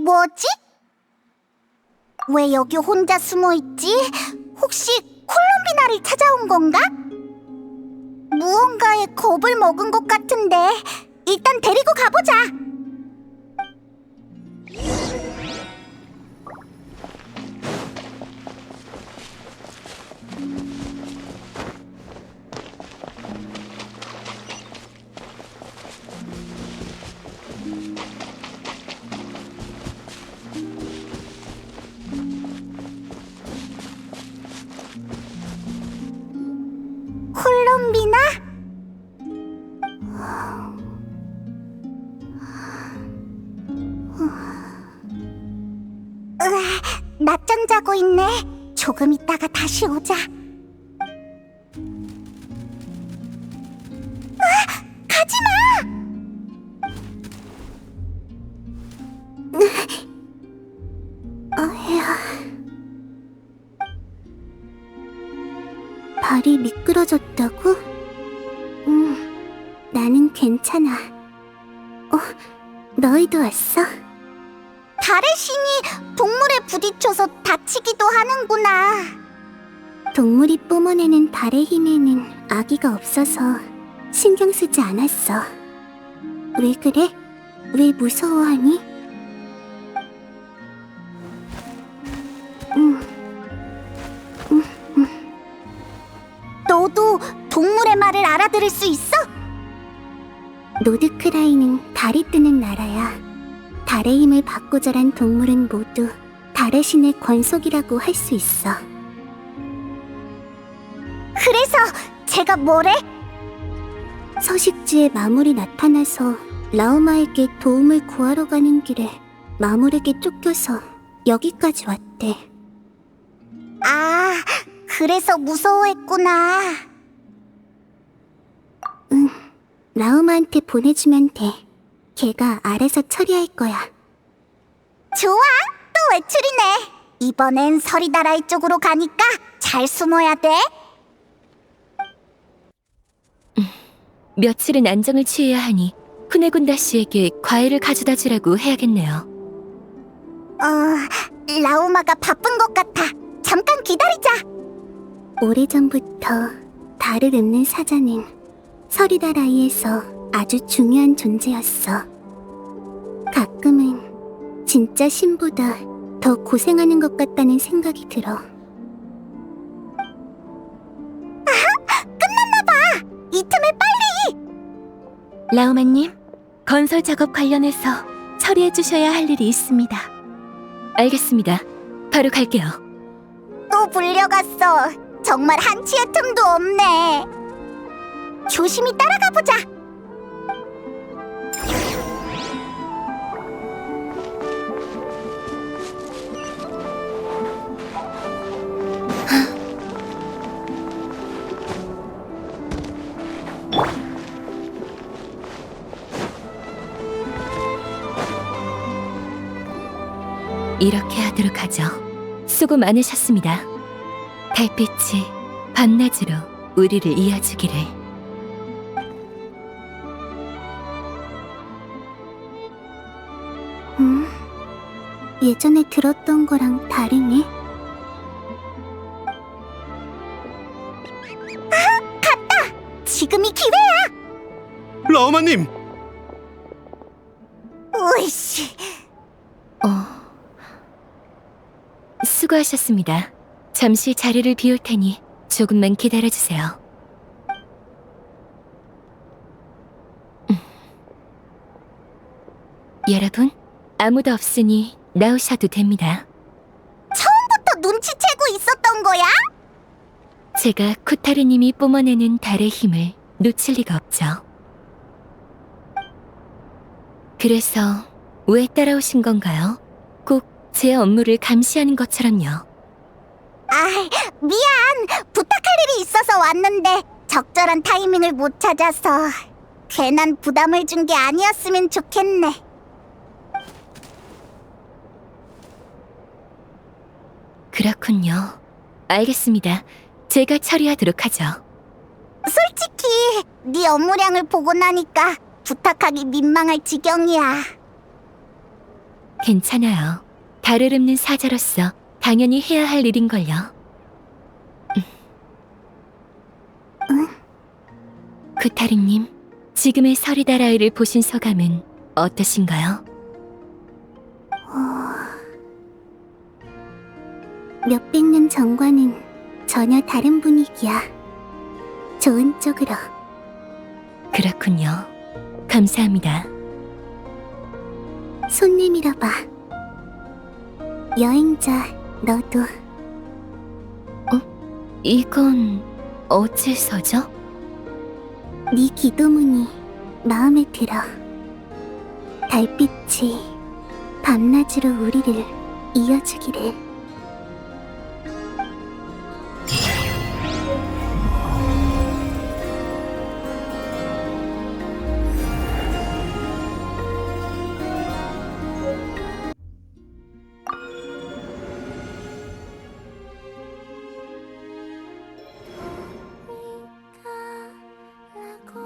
뭐지? 왜 여기 혼자 숨어있지? 혹시 콜롬비나를 찾아온 건가? 무언가에 겁을 먹은 것 같은데 일단 데리고 가보자. 콜롬비나? 낮잠 자고 있네. 조금 있다가 다시 오자. 가지마! 발이 미끄러졌다고? 나는 괜찮아. 너희도 왔어? 달의 신이 동물에 부딪혀서 다치기도 하는구나. 동물이 뿜어내는 달의 힘에는 아기가 없어서 신경 쓰지 않았어. 왜 그래? 왜 무서워하니? 너도 동물의 말을 알아들을 수 있어? 노드크라이는 달이 뜨는 나라야. 달의 힘을 받고 자란 동물은 모두 달의 신의 권속이라고 할 수 있어. 그래서 제가 뭐래? 서식지에 마물이 나타나서 라우마에게 도움을 구하러 가는 길에 마물에게 쫓겨서 여기까지 왔대. 아, 그래서 무서워했구나. 응, 라우마한테 보내주면 돼. 걔가 알아서 처리할 거야. 좋아, 또 외출이네. 이번엔 서리다라이 쪽으로 가니까 잘 숨어야 돼. 며칠은 안정을 취해야 하니 후네군다 씨에게 과일을 가져다 주라고 해야겠네요. 라우마가 바쁜 것 같아. 잠깐 기다리자. 오래전부터 달을 읊는 사자는 서리다라이에서 아주 중요한 존재였어. 가끔은 진짜 신보다 더 고생하는 것 같다는 생각이 들어. 아하! 끝났나봐! 이 틈에 빨리! 라우마님, 건설 작업 관련해서 처리해 주셔야 할 일이 있습니다. 알겠습니다. 바로 갈게요. 또 불려갔어. 정말 한치의 틈도 없네. 조심히 따라가 보자. 이렇게 하도록 하죠. 수고 많으셨습니다. 달빛이 밤낮으로 우리를 이어주기를. 예전에 들었던 거랑 다르네. 갔다! 지금이 기회야! 라우마님! 으이씨. 수고하셨습니다. 잠시 자리를 비울 테니 조금만 기다려주세요. 여러분, 아무도 없으니 나오셔도 됩니다. 처음부터 눈치채고 있었던 거야? 제가 쿠타르님이 뿜어내는 달의 힘을 놓칠 리가 없죠. 그래서 왜 따라오신 건가요? 꼭 제 업무를 감시하는 것처럼요. 미안. 부탁할 일이 있어서 왔는데 적절한 타이밍을 못 찾아서 괜한 부담을 준 게 아니었으면 좋겠네. 그렇군요. 알겠습니다. 제가 처리하도록 하죠. 솔직히 네 업무량을 보고 나니까 부탁하기 민망할 지경이야. 괜찮아요. 달을 읊는 사자로서 당연히 해야 할 일인걸요. 쿠타르님, 지금의 서리다라이를 보신 소감은 어떠신가요? 몇백 년 전과는 전혀 다른 분위기야. 좋은 쪽으로. 그렇군요. 감사합니다. 손 내밀어봐. 여행자, 너도. 이건 어째서죠? 네 기도문이 마음에 들어. 달빛이 밤낮으로 우리를 이어주기를.